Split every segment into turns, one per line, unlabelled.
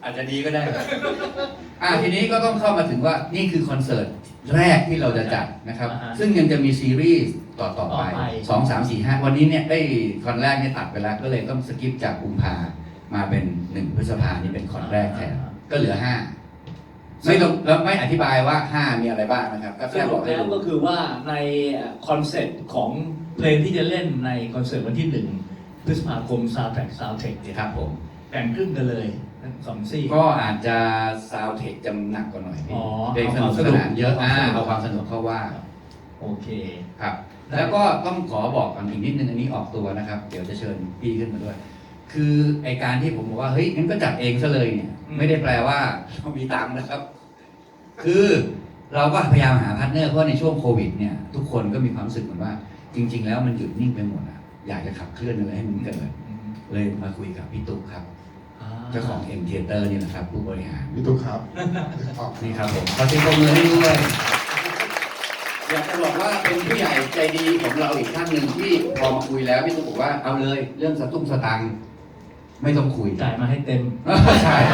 อาจจะดีก็ได้ ทีนี้ก็ต้องเข้ามาถึงว่านี่คือคอนเสิร์ตแรกที่เราจะจัดนะครับ ซึ่งยังจะมีซีรีส์ต่อไป2 3 4 5วันนี้เนี่ยได้คอนแรกเนี่ยตัดไปแล้วก็เลยต้องสกิปจากกุมภามาเป็น1 พฤษภานี่เป็นคอนแรกแทนก็เหลือ5ไม่ต้องแล้วไม่อธิบายว่า5มีอะไรบ้างนะครับก็แค่บอกแล้ว
ก็คือว่าในคอนเซ็ปต์ของเพลงที่จะเล่นในคอนเสิร์ตวันที่1 พฤษภาคม Soundtrack Soundtech เนี่ย
ครับผม
แบ่งครึ่งกันเลย2 ซี่
ก็อาจจะซาวเทคจำหนักกว่าหน่อยเพลงสนุกสนานเยอะเอาความสนุกเข้าว่า
โอเค
ครับแล้วก็ต้องขอบอกก่อนอีกนิดนึงอันนี้ออกตัวนะครับเดี๋ยวจะเชิญพี่ขึ้นมาด้วยคือไอการที่ผมบอกว่าเฮ้ยงั้นก็จัดเองซะเลยเนี่ยไม่ได้แปลว่าเรามีตังค์นะครับคือเราก็พยายามหาพาร์ทเนอร์เพราะในช่วงโควิดเนี่ยทุกคนก็มีความรู้สึกเหมือนว่าจริงๆแล้วมันหยุดนิ่งไปหมดอ่ะอยากจะขับเคลื่อนอะไรให้มันเกิดเลยมาคุยกับพี่ตุ๊กครับเจ้าของ M Theater นี่แหละครับผู้บริหาร
พี่ตุ๊กครับ
นี่ครับผมขอเสียงปรบมือให้ด้วยอยากจะบอกว่าเป็นผู้ใหญ่ใจดีของเราอีกท่านหนึ่งที่พอมาคุยแล้วพี่ตุ๊กบอกว่าเอาเลยเรื่องสตุ้งสตังค์ไม่ต้องคุย
จ่ายมาให้เต็ม
ใช่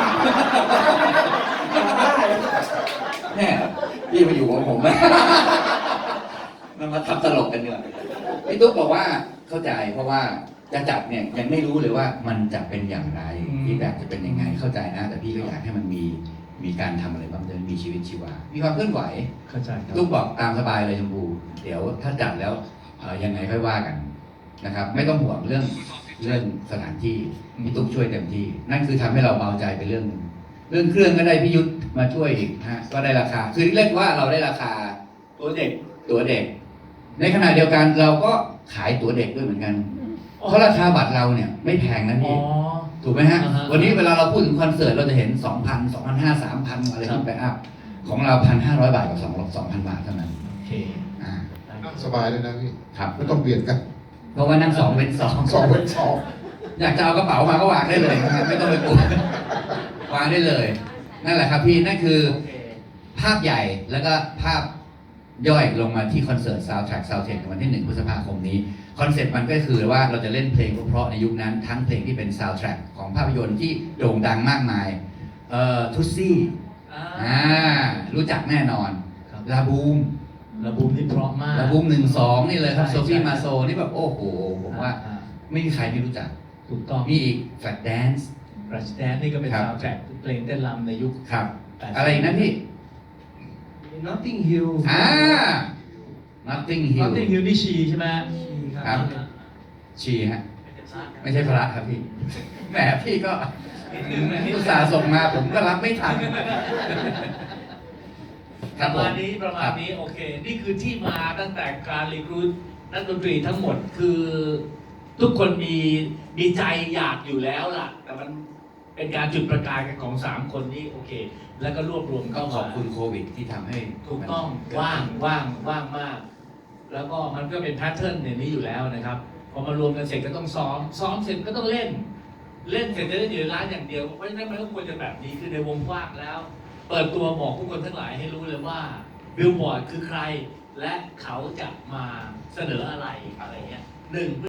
แน่พี่มาอยู่ของผมมันมาทำตลกกันเนี่ยพี่ตุ๊กบอกว่าเข้าใจเพราะว่าจะจัดเนี่ยยังไม่รู้เลยว่ามันจะเป็นอย่างไรที่แบบจะเป็นยังไงเข้าใจนะแต่พี่ก็อยากให้มันมีการทำอะไรบ้างจะมีชีวิตชีวามีความเคลื่อนไหว
เข้าใจ
ตุ๊กบอกตามสบายเลยชมพูเดี๋ยวถ้าจัดแล้วยังไงค่อยว่ากันนะครับไม่ต้องห่วงเรื่องสถานที่พี่ตุ๊กช่วยเต็มที่นั่นคือทำให้เราเบาใจไปเรื่องเครื่องก็ได้พี่ยุทธมาช่วยอีกฮะก็ได้ราคาคือเรียกว่าเราได้ราคาตัวเด็กในขณะเดียวกันเราก็ขายตัวเด็กด้วยเหมือนกันเพราะราคาบัตรเราเนี่ยไม่แพงนะพี่ถูกไหมฮะวันนี้เวลาเราพูดถึงคอนเสิร์ตเราจะเห็น 2,000 2,500 3,000 อะไรที่ไปอัพของเรา 1,500 บาทกับ2,000 บาทเท่านั้น
โอเค
สบายเลยนะพี่
ครับ
ไม่ต้องเบียดกัน
เพราะว่านั่ง2 เป็น 2
เป็น 2
อยากจะเอากระเป๋ามาก็วางได้เลยไม่ต้องไปปวดวางได้เลยนั่นแหละครับพี่นั่นคือภาพใหญ่แล้วก็ภาพย่อยลงมาที่คอนเสิร์ต Soundtrack Soundtech วันที่1 พฤษภาคมนี้คอนเซ็ปต์มันก็คือว่าเราจะเล่นเพลงเพราะในยุคนั้นทั้งเพลงที่เป็น Soundtrack ของภาพยนตร์ที่โด่งดังมากมายทุซี่รู้จักแน่นอนลาบูม
นี่เพราะมาก
ลาบูม1-2นี่เลยครับโซฟี่มาโซนี่แบบโอ้โหผมว่าไม่มีใครไม่รู้จัก
ถูกต้อง
มีอีกแฟลชแดนซ์
นี่ก็เป็น Soundtrack เพลงเต้นรำในยุค
ครับอะไรอีกนะพี่
Notting Hill
Notting Hill
นี่ชีใช่ไหม
ครับชีฮะไม่ใช่พระครับพี่แหมพี่ก็อุตส่าห์ส่งมาผมก็รับไม่ทัน
ประมาณนี้โอเคนี่คือที่มาตั้งแต่การรีครูทนักดนตรีทั้งหมดคือทุกคนมีใจอยากอยู่แล้วล่ะแต่มันเป็นการจุดประกายกันของ3 คนนี้โอเคแล้วก็รวบรวม
ก็ขอบคุณโควิดที่ทำให้
ถูกต้องว่างมากแล้วก็มันก็เป็นแพทเทิร์นอย่างนี้อยู่แล้วนะครับพอมารวมกันเสร็จก็ต้องซ้อมเสร็จก็ต้องเล่นเสร็จจะได้อยู่ในร้านอย่างเดียวเพราะฉะนั้นมันก็ควรจะแบบนี้คือในวงกว้างแล้วเปิดตัวบอกผู้คนทั้งหลายให้รู้เลยว่าบิลบอร์ดคือใครและเขาจะมาเสนออะไรเงี้ย1